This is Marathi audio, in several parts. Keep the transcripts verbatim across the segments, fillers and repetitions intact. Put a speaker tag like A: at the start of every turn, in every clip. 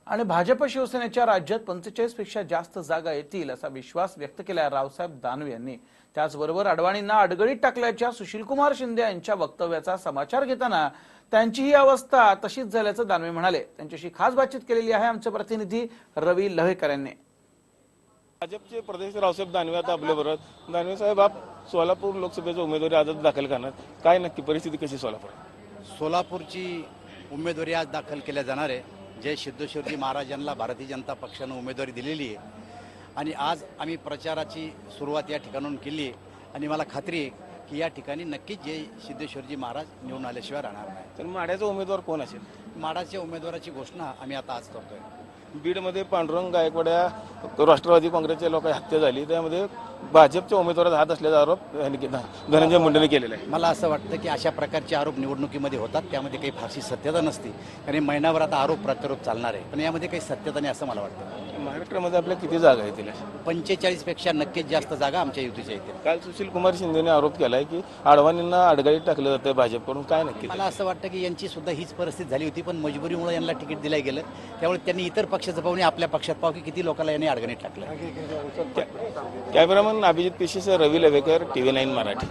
A: आणि भाजप शिवसेनेच्या राज्यात पंचेचाळीस पेक्षा जास्त जागा येतील असा विश्वास व्यक्त केला रावसाहेब दानवे यांनी। त्याचबरोबर अडवाणींना अडगळीत टाकल्याच्या सुशीलकुमार शिंदे यांच्या वक्तव्याचा समाचार घेताना त्यांची ही अवस्था तशीच झाल्याचं दानवे म्हणाले। त्यांच्याशी खास बातचीत केलेली आहे आमचे प्रतिनिधी रवी लव्हेकर यांनी।
B: भाजपचे प्रदेश रावसाहेब दानवे आता आपल्याबरोबर। दानवे साहेब, आप सोलापूर लोकसभेचा उमेदवारी आज दाखल करणार, काय नक्की परिस्थिती कशी सोलापूर?
C: सोलापूरची उमेदवारी आज दाखल केल्या जाणार आहे। जय सिद्धेश्वरजी महाराजांना भारतीय जनता पक्षाने उमेदवारी दिलेली आहे आणि आज आम्ही प्रचाराची सुरुवात या ठिकाणाहून केली आहे आणि मला खात्री आहे की या ठिकाणी नक्कीच जय सिद्धेश्वरजी महाराज निवडून आल्याशिवाय राहणार नाही।
B: तर माड्याचा उमेदवार कोण असेल?
C: माडाच्या उमेदवाराची घोषणा आम्ही आता आज करतोय।
B: बीडमध्ये पांडुरंग गायकवाड या राष्ट्रवादी काँग्रेसच्या लोकांची हत्या झाली, त्यामध्ये भाजपच्या उमेदवाराचा हात असल्याचा आरोप धनंजय मुंडेंनी केलेला आहे।
C: मला असं वाटतं की अशा प्रकारचे आरोप निवडणुकीमध्ये होतात, त्यामध्ये काही फारशी सत्यता नसते आणि महिनाभर आता आरोप प्रत्यारोप चालणार आहे, पण यामध्ये काही सत्यता नाही असं मला वाटतं।
B: महाराष्ट्रामध्ये आपल्या किती जागा येतील?
C: पंचेचाळीस पेक्षा नक्कीच जास्त जागा आमच्या युतीच्या येतील।
B: काल सुशील कुमार शिंदेने आरोप केलाय की अडवाणींना अडगळीत टाकलं जातं भाजपकडून, काय नक्की?
C: मला असं वाटतं की यांची सुद्धा हीच परिस्थिती झाली होती, पण मजबुरीमुळे यांना तिकीट दिलं गेलं, त्यामुळे त्यांनी इतर पक्षाचं पाहून आपल्या पक्षात पाहू की किती लोकांना यांनी अडगणीत टाकलं।
B: कॅमेरामन अभिजित पेशीसह रवी लवेकर, टीव्ही नाईन मराठी।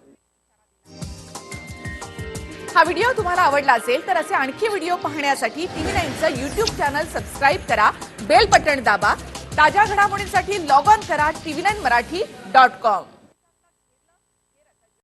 D: हा व्हिडिओ तुम्हाला आवडला असेल तर असे आणखी व्हिडिओ पाहण्यासाठी टीव्ही नाईनचं यूट्यूब चॅनल सबस्क्राईब करा, बेल बटण दाबा। ताज्या घडामोडींसाठी लॉग ऑन करा TV nine Marathi dot com.